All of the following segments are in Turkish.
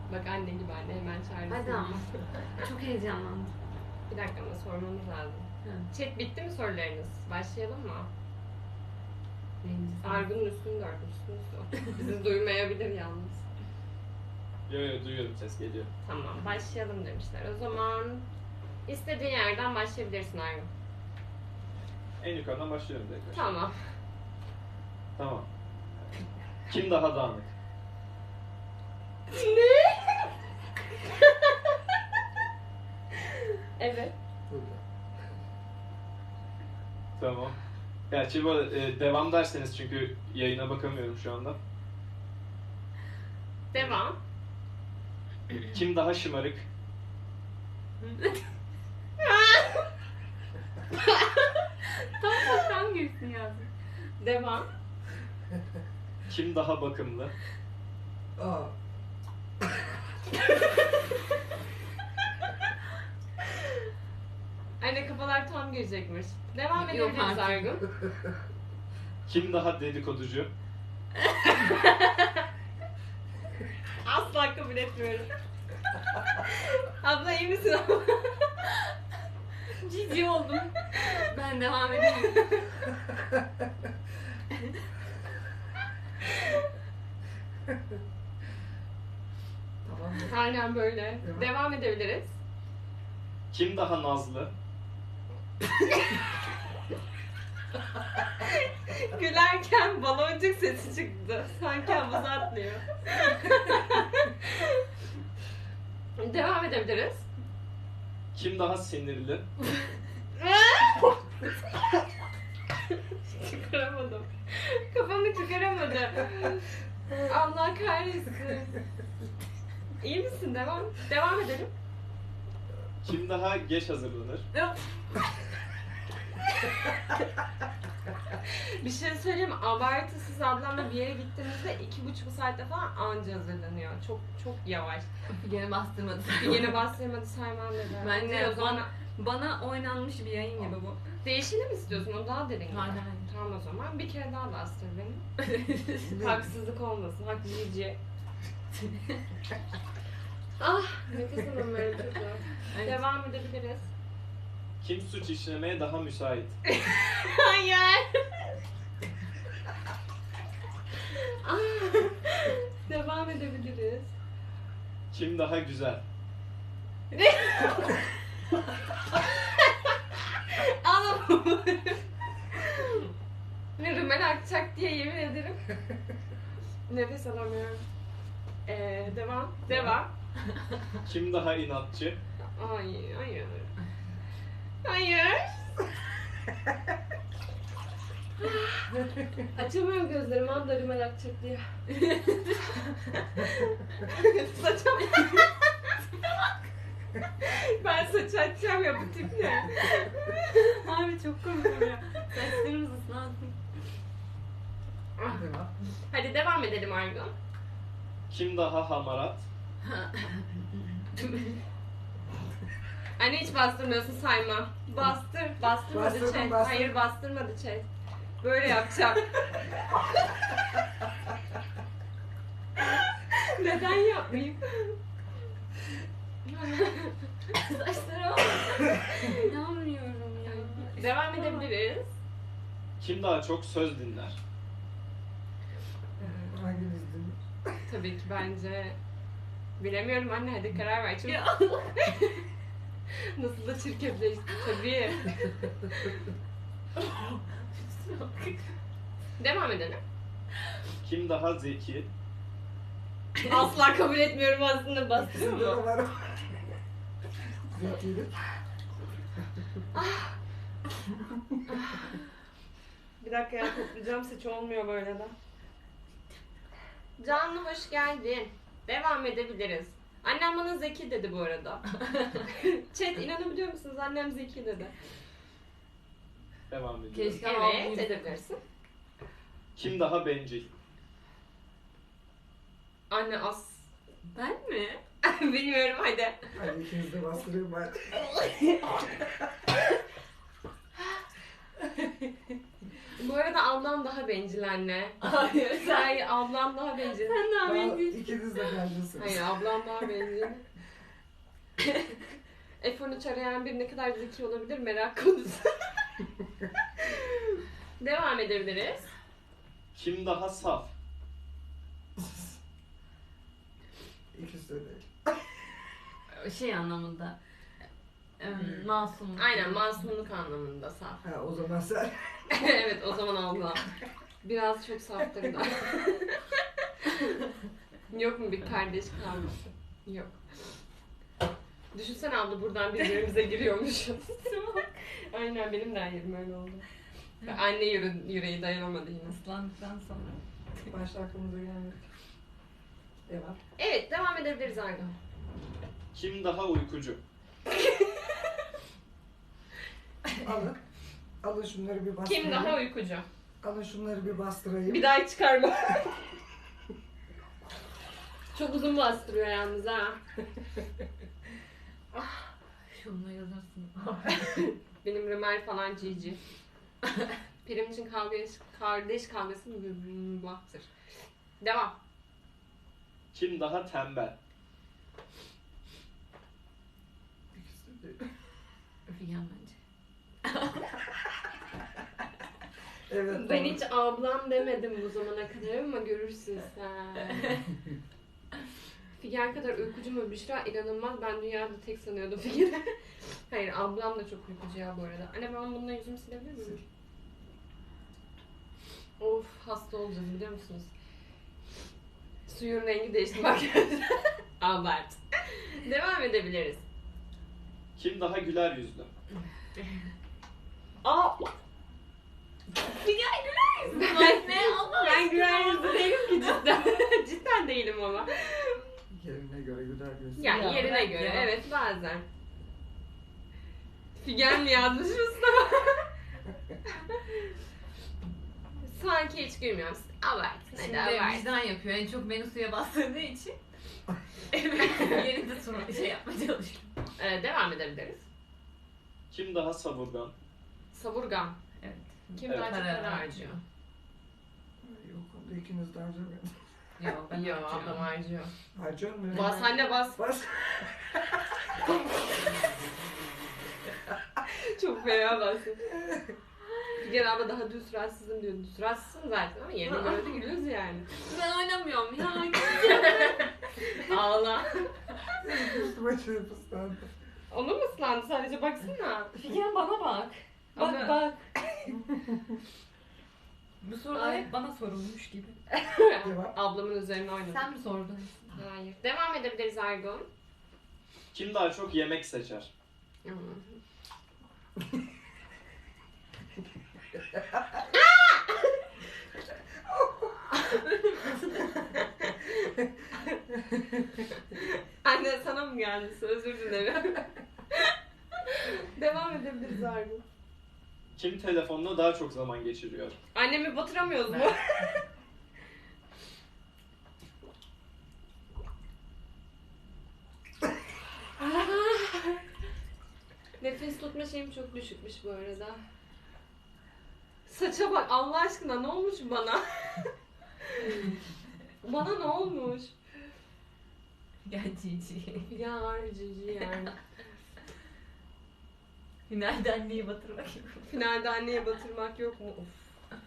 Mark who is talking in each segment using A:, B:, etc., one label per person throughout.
A: Bak anne gibi anne hemen çağırırsın.
B: Hadi ama. Çok heyecanlandım.
A: Bir dakika ama sormamız lazım.
B: Hı.
A: Chat bitti mi sorularınız? Başlayalım mı?
B: Birincisi.
A: Argun'un üstünü görmüşsünüz o. Bizi duymayabilir yalnız.
C: Yo duyuyorum, ses geliyor.
A: Tamam başlayalım demişler. O zaman istediğin yerden başlayabilirsin Argun.
C: En yukarıdan başlıyorum direkt.
A: Tamam.
C: Tamam. Kim daha dağınık?
A: Ne? Evet.
C: Tamam. Gerçi bu arada, devam derseniz çünkü yayına bakamıyorum şu anda.
A: Devam.
C: Kim daha şımarık?
B: Tam girsin yazdım.
A: Devam.
C: Kim daha bakımlı?
D: Aa.
A: Anne kafalar tam girecekmiş. Devam
B: Yok
A: edebiliriz
B: artık.
A: Argun.
C: Kim daha dedikoducu?
A: Asla kabul etmiyorum. Abla iyi misin abla?
B: Cici oldum. Ben devam edeyim.
D: Tamam mı?
A: Aynen böyle.
D: Devam.
A: Devam edebiliriz.
C: Kim daha nazlı?
A: Gülerken baloncuk sesi çıktı. Sanki havuza atlıyor. Devam edebiliriz.
C: Kim daha sinirli?
A: Çıkaramadım. Kafamı çıkaramadım. Allah kahretsin. İyi misin? Devam. Devam edelim.
C: Kim daha geç hazırlanır?
A: Bir şey söyleyeyim mi? Abartısız ablamla bir yere gittiğimizde 2,5 saatte falan anca hazırlanıyor. Çok çok yavaş.
B: Gene bastırmadı.
A: Yine bastırmadı saymam dedi.
B: Bence
A: Ne, o zaman
B: bana oynanmış bir yayın gibi bu.
A: değişini mi istiyorsun? O daha derin.
B: Hayır, hayır.
A: Tamam o zaman bir kere daha bastır beni. Haksızlık olmasın. Hak yiyici. Ah nefes alamıyorum çok zor.
B: Evet.
A: Devam edebiliriz.
C: Kim suç işlemeye daha müsait?
A: Hayır. Ah, devam edebiliriz.
C: Kim daha güzel?
A: Anam. Rümel akacak diye yemin ederim. Nefes alamıyorum. Devam. Devam.
C: Kim daha inatçı?
A: Ay, hayır. Hayır. Açamıyorum gözlerimi anda rümel akacak diye. Saçam. Ben saç açacağım ya bu tip ne?
B: Abi çok komik ya. Saçlarımız ıslansın.
D: Devam.
A: Hadi devam edelim Argun.
C: Kim daha hamarat?
A: Anne hiç bastırmıyorsun sayma. Bastır. Bastırmadı
D: Bastırdım,
A: chat.
D: bastırdım.
A: Hayır bastırmadı chat. Böyle yapacağım. Neden yapmayayım?
B: Saçlarım. İnanmıyorum ya.
A: Devam edebiliriz.
C: Kim daha çok söz dinler?
D: Hangimiz dinler?
A: Tabii ki bence bilemiyorum anne hadi karar ver. Çok...
B: Ya.
A: Nasıl da çirkefleşti tabii. Devam edelim.
C: Kim daha zeki?
A: Asla kabul etmiyorum aslında bastırıyor
D: İkisinde de
A: mu?
D: var. Zekilik.
A: Bir dakika ya toplayacağım saç olmuyor böyle de. Canlı hoş geldin. Devam edebiliriz. Annem bana zeki dedi bu arada. Chat inanabiliyor musunuz? Annem zeki dedi.
C: Devam ediyorum.
B: Keşke.
A: Evet
B: Tamam,
A: edebilirsin.
C: Kim daha bencil?
A: Anne as.
B: Ben mi?
A: Bilmiyorum hadi.
D: Hadi ikiniz de bastırıyorum ben.
A: Bu arada ablam daha bencil anne.
B: Hayır.
A: Hayır, ablam daha bencil.
B: Sen daha bencil.
D: İkiniz de bence.
A: Hayır, ablam daha bencil. F13 arayan bir ne kadar zeki olabilir merak konusu. Devam edebiliriz.
C: Kim daha saf?
D: İkisi de değil.
B: Şey anlamında. Masum.
A: Aynen, masumluk anlamında saf.
D: Ha, o zaman sen.
A: Evet, o zaman ablam. Biraz çok saftır da. Yok mu bir kardeş kavgası? Yok. Düşünsene abla, buradan birbirimize giriyormuşuz. Aynen, benim de yerim öyle oldu. Anne yüreği dayanamadı yine.
B: Islandıktan sonra.
D: Başta aklımıza gelmedi. Devam.
A: Evet, devam edebiliriz Arda.
C: Kim daha uykucu?
D: Alın. Alın şunları bir bastırayım.
A: Kim daha uykucu?
D: Alın şunları bir bastırayım.
A: Bir daha çıkarma. Çok uzun bastırıyor yalnız ha.
B: Şununla yazırsın.
A: Benim Rümel falan cici. Prim için kardeş kavgası baktır. Devam.
C: Kim daha tembel?
D: İkisi de değil.
B: Figen bence.
D: Evet.
A: Ben
D: doğru.
A: hiç ablam demedim bu zamana kadar ama görürsün sen. Figen kadar uykucu mu Büşra? İnanılmaz. Ben dünyada tek sanıyordum Figen'i. Hayır, ablam da çok uykucu ya bu arada. Anne, ben bununla yüzümü silebilir miyim? Of, hasta olacağız biliyor musunuz? Suyun rengi değişti bak. Abart. Devam edebiliriz.
C: Kim daha güler yüzlü?
A: Aa!
B: Figen güler yüzlü. Ne Allah
A: Ben güler yüzlü değilim ki cidden. Cidden değilim ama.
D: Yerine göre güler gözü.
A: Yani
B: Ya,
A: yerine
B: bırak
A: göre
B: ya.
A: evet bazen. Figen mi yazmış Mustafa? Sanki hiç gülmüyorum. Abart. Hadi
B: Şimdi
A: abart.
B: vicdan yapıyor. En çok beni suya bastırdığı için. Yeni de sonra şey yapmaya çalışıyor.
A: Devam edebiliriz.
C: Kim daha savurgan?
A: Savurgan.
B: Evet.
A: Kim
C: Evet.
A: daha çok
B: Para
A: para
B: harcıyor.
A: harcıyor?
D: Yok onda ikiniz de harcamayın.
B: Yok ben
A: Yok, ablam
B: harcıyorum.
A: harcıyor.
D: Harcıyor mu?
A: Bas anne bas.
D: Bas.
A: Çok fena bastın. Figen abla daha düz rahatsızım diyor. Düz rahatsızsın zaten ama yerine göre de gülüyoruz yani.
B: Ben oynamıyorum ya.
A: Ağla.
D: Üstüme çırp ıslandı.
A: Onu mu ıslandı sadece baksana.
B: Figen bana bak. Bak
A: Ama-
B: bak. Bu sorular
A: Ay.
B: hep bana sorulmuş gibi.
D: Devam.
A: Ablamın üzerine oynadı.
B: Sen mi sordun?
A: Hayır. Devam edebiliriz Ergun.
C: Kim daha çok yemek seçer?
A: Anne sana mı geldi? Özür dilerim. Devam edebiliriz Ergun.
C: Kim telefonla daha çok zaman geçiriyor?
A: Annemi batıramıyoruz mu? Nefes tutma şeyim çok düşükmüş bu arada. Saça bak Allah aşkına, ne olmuş bana? Bana ne olmuş?
B: Gel Cici.
A: Ya harcıcı yani.
B: Finalde anneyi batırmak gibi.
A: Finalde anneye batırmak yok mu? Of.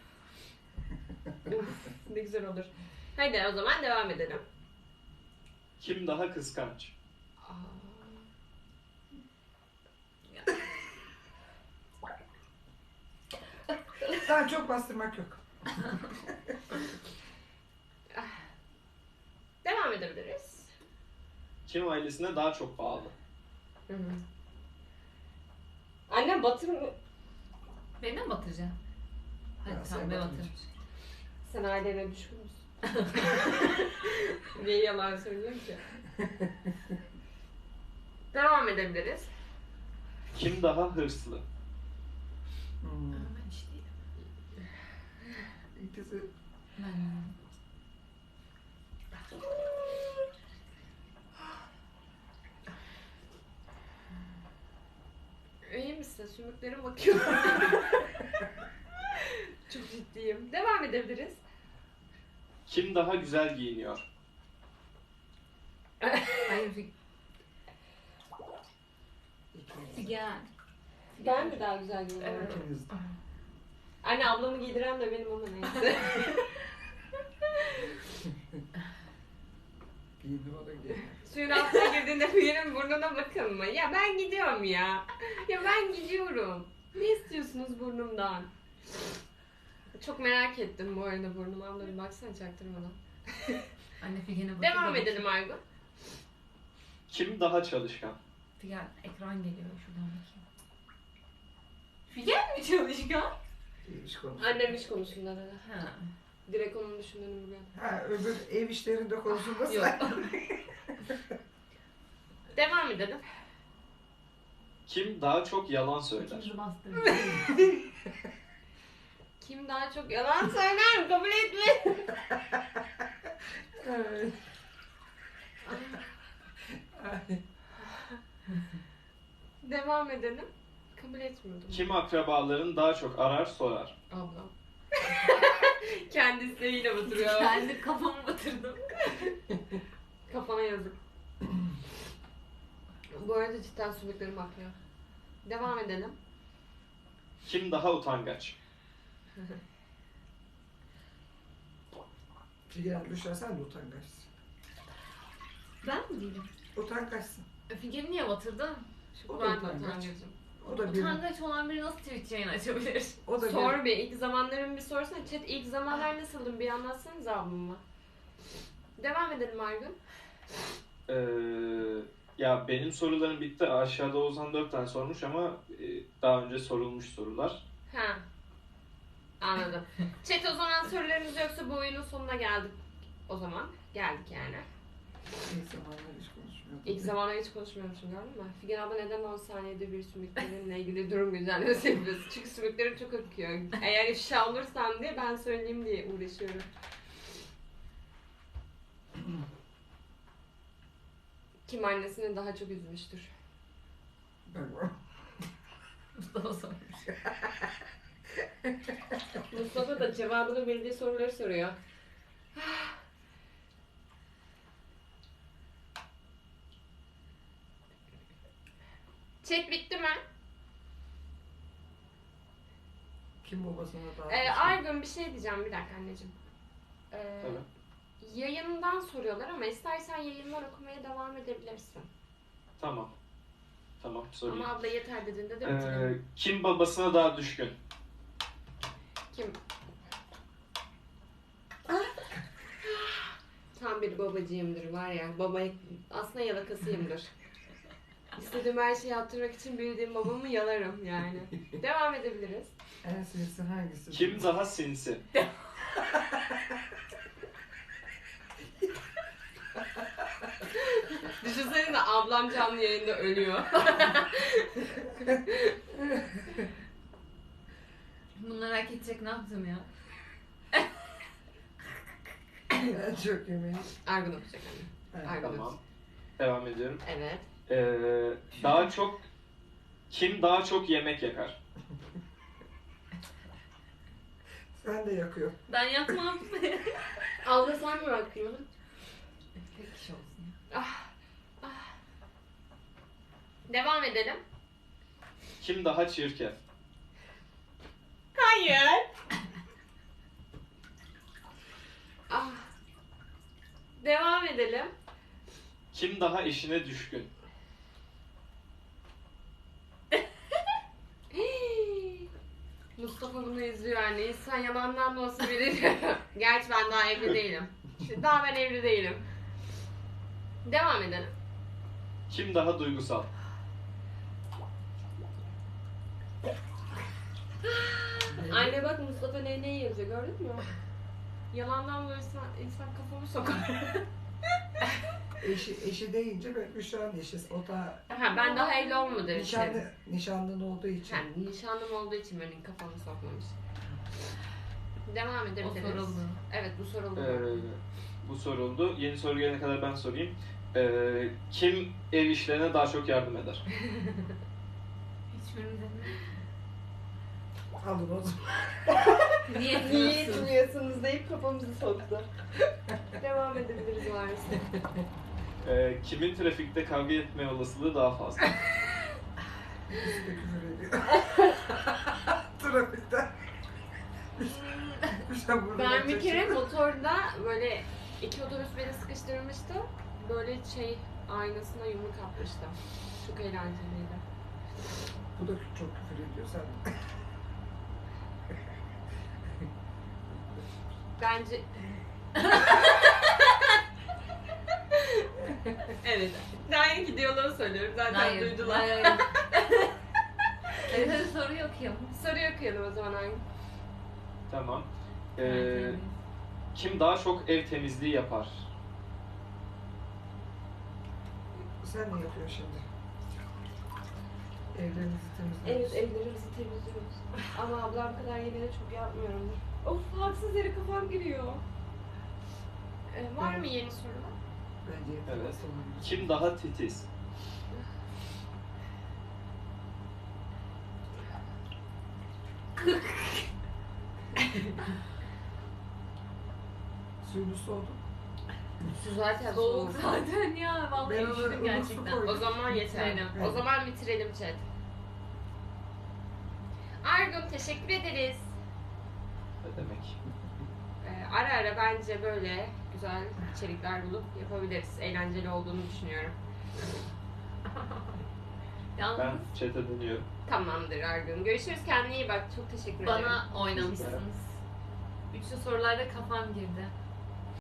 A: Of, ne güzel olur. Haydi o zaman devam edelim.
C: Kim daha kıskanç?
A: Aa.
D: Daha çok bastırmak yok.
A: Devam edebiliriz.
C: Kim ailesine daha çok bağlı?
A: Hı hı. Annem batır...
B: Beni mi batıracaksın?
D: Ya,
B: Hadi
D: sen
B: tamam ben
D: batırmayacaksın.
B: batırırım.
A: Sen ailene düşkün müsün? Niye yalan söylüyorsun ki? Devam edebiliriz.
C: Kim daha hırslı?
D: Hmm.
B: Ben hiç değilim.
D: İkisi
B: Ben
A: İyi misin? Sümüklerime bakıyorum. Çok Devam edebiliriz.
C: Kim daha güzel giyiniyor?
B: Hayır
D: İkiniz.
B: Figen.
A: Ben mi daha güzel giyiniyorum?
B: Evet.
D: İkiniz.
A: Anne ablamı giydiren de benim ama neyse.
D: Giyindim o da giyindim.
A: Suyun altına girdiğinde Figen'in burnuna bakın mı? Ya ben gidiyorum ya. Ya ben gidiyorum. Ne istiyorsunuz burnumdan? Çok merak ettim bu arada burnumu. Abla bir baksana çaktırmadan.
B: Anne Figen'e bakıyor.
A: Devam edelim Aygun.
C: Kim daha çalışkan?
B: Figen ekran geliyor şuradan bakayım. Figen mi çalışkan?
D: İyiymiş konu.
A: Annem iş konusunda dedi.
B: Ha.
A: Direkt onun düşündüğünü biliyorum.
D: Ha öbür ev işlerinde konusunda
A: Yok.
D: sen.
A: Devam edelim.
C: Kim daha çok yalan söyler?
B: İkinci bastım.
A: Kim daha çok yalan söyler kabul etme.
D: Evet. Ay.
A: Devam edelim. Kabul etmiyordum.
C: Kim akrabalarını daha çok arar sorar?
A: Ablam. Kendi isteğiyle batırıyor.
B: Kendi kafamı batırdım.
A: Kafana yazık. Bu arada cidden sümüklerim akıyor. Devam edelim.
C: Kim daha utangaç?
D: Figen düşersen de utangaçsın.
B: Ben mi değilim?
D: Utangaçsın.
B: Figen'i niye batırdın?
D: O da
A: Ben de
D: utangaç.
A: utangacım.
D: O da bir.
B: Utangaç olan biri nasıl Twitch yayın açabilir?
D: O da bir.
A: Sor bir. İlk zamanların bir sorsana. Chat ilk zamanlar nasıldın bir anlatsanız ablamı. Devam edelim Argun.
C: Ya benim sorularım bitti. Aşağıda Ozan 4 tane sormuş ama daha önce sorulmuş sorular.
A: Ha. Anladım. Chat o zaman sorularınız yoksa bu oyunun sonuna geldik. O zaman geldik yani.
D: İlk zamanlar hiç konuşmuyordum.
A: İlk zamanlar hiç konuşmuyormuşum gördün mü? Figen abla neden 10 saniyede bir sümüklerinle ilgili durum güzellemesi yapıyorsun? Çünkü sümüklerim çok akıyor. Eğer ifşa olursam diye ben söyleyeyim diye uğraşıyorum. Kim annesini daha çok üzmüştür?
D: Ben
B: Mustafa sormuş.
A: Mustafa da cevabını bildiği soruları soruyor. Chat bitti mi?
D: kim babasına daha
A: Argun bir şey diyeceğim bir dakika anneciğim.
C: Tabii.
A: Yayından soruyorlar ama istersen yayından okumaya devam edebilirsin.
C: Tamam. Tamam sorayım.
A: Ama abla yeter dediğinde de bitirelim.
C: Kim babasına daha düşkün?
A: Kim? Tam bir babacığımdır var ya. Baba aslında yalakasıyımdır. İstediğim her şeyi yaptırmak için bildiğim babamı yalarım yani. Devam edebiliriz.
D: En sinsi hangisi?
C: Kim daha sinsi?
A: Düşünsene de ablam canlı yayında ölüyor.
B: Bunları hak edecek ne yaptım ya?
D: En çok yemeği.
A: Argun okuyacak anne.
D: Ha,
A: Argun.
C: Tamam. Devam ediyorum.
A: Evet.
C: Daha çok kim daha çok yemek yakar?
D: Sen de yakıyor.
B: Ben yapmam.
A: Abla sen mi bakıyorsun?
B: Tek kişi olsun ya.
A: Devam edelim.
C: Kim daha çirkin?
A: Hayır. Devam edelim.
C: Kim daha işine düşkün?
A: Mustafa bunu izliyor anne. İnsan yalandan da olsa bilir. Gerçi ben daha evli değilim. Daha ben evli değilim. Devam edelim.
C: Kim daha duygusal?
A: Anne bak Mustafa ne yazıyor gördün mü? Yalandan da insan kafamı sokar.
D: Eşi deyince ben Büşra'nın eşi. O da
A: Ha, ben daha evli olmadığım için.
D: nişanlın olduğu için.
A: Yani nişanlım olduğu için benim kafamı sokmamış. Devam
B: O
A: edebiliriz.
B: soruldu.
A: Evet bu soruldu.
C: Bu soruldu. Yeni soru gelene kadar ben sorayım. Kim ev işlerine daha çok yardım eder?
B: Hiçbirimiz etmedik.
D: Alın o zaman.
B: Niye
A: Niye
B: etmiyorsun?
A: etmiyorsunuz deyip kafamızı soktu. Devam edebiliriz maalesef.
C: Kimin trafikte kavga etme olasılığı daha fazla?
D: Bizi de küfür ediyor. Trafikte. İşte burada
A: Ben bir
D: çeksin.
A: kere motorda böyle iki otobüs beni sıkıştırmıştı. Böyle aynasına yumruk atmıştım. Çok eğlenceliydi.
D: Bu da çok küfür ediyor sen.
A: Bence... Evet. Daha yeni diyaloğu söylüyorum. Zaten duydular.
B: Hayır. Hadi soruyu okuyalım.
A: Soruyu okuyalım o zaman aynı.
C: Tamam.
B: Evet.
C: Kim daha çok ev temizliği yapar?
D: Sen ne yapıyorsun şimdi? Evlerinizi
A: Evet,
D: temizliyoruz.
A: evlerimizi temizliyoruz. Ama ablam kadar yine de çok yapmıyorumdur. Of, haksız yere kafam giriyor. Var mı yeni sorular?
D: Bence
C: Evet.
D: yapılması olabilir.
C: Kim daha titiz?
D: Suyunu soğudu.
A: Su zaten
B: Soğuk zaten ya. Vallahi
D: Ben onu
B: üşüdüm
D: su
B: gerçekten.
D: koydum.
A: O zaman yeter.
B: Aynen.
A: O zaman bitirelim chat. Argun teşekkür ederiz.
C: Ne demek?
A: Ara ara bence böyle güzel içerikler bulup yapabiliriz. Eğlenceli olduğunu düşünüyorum.
B: Yalnız
C: Ben chat'e dönüyorum.
A: Tamamdır Argun. Görüşürüz. Kendine iyi bak. Çok teşekkür ederim.
B: bana oynamışsınız. Üçlü sorularda kafam girdi.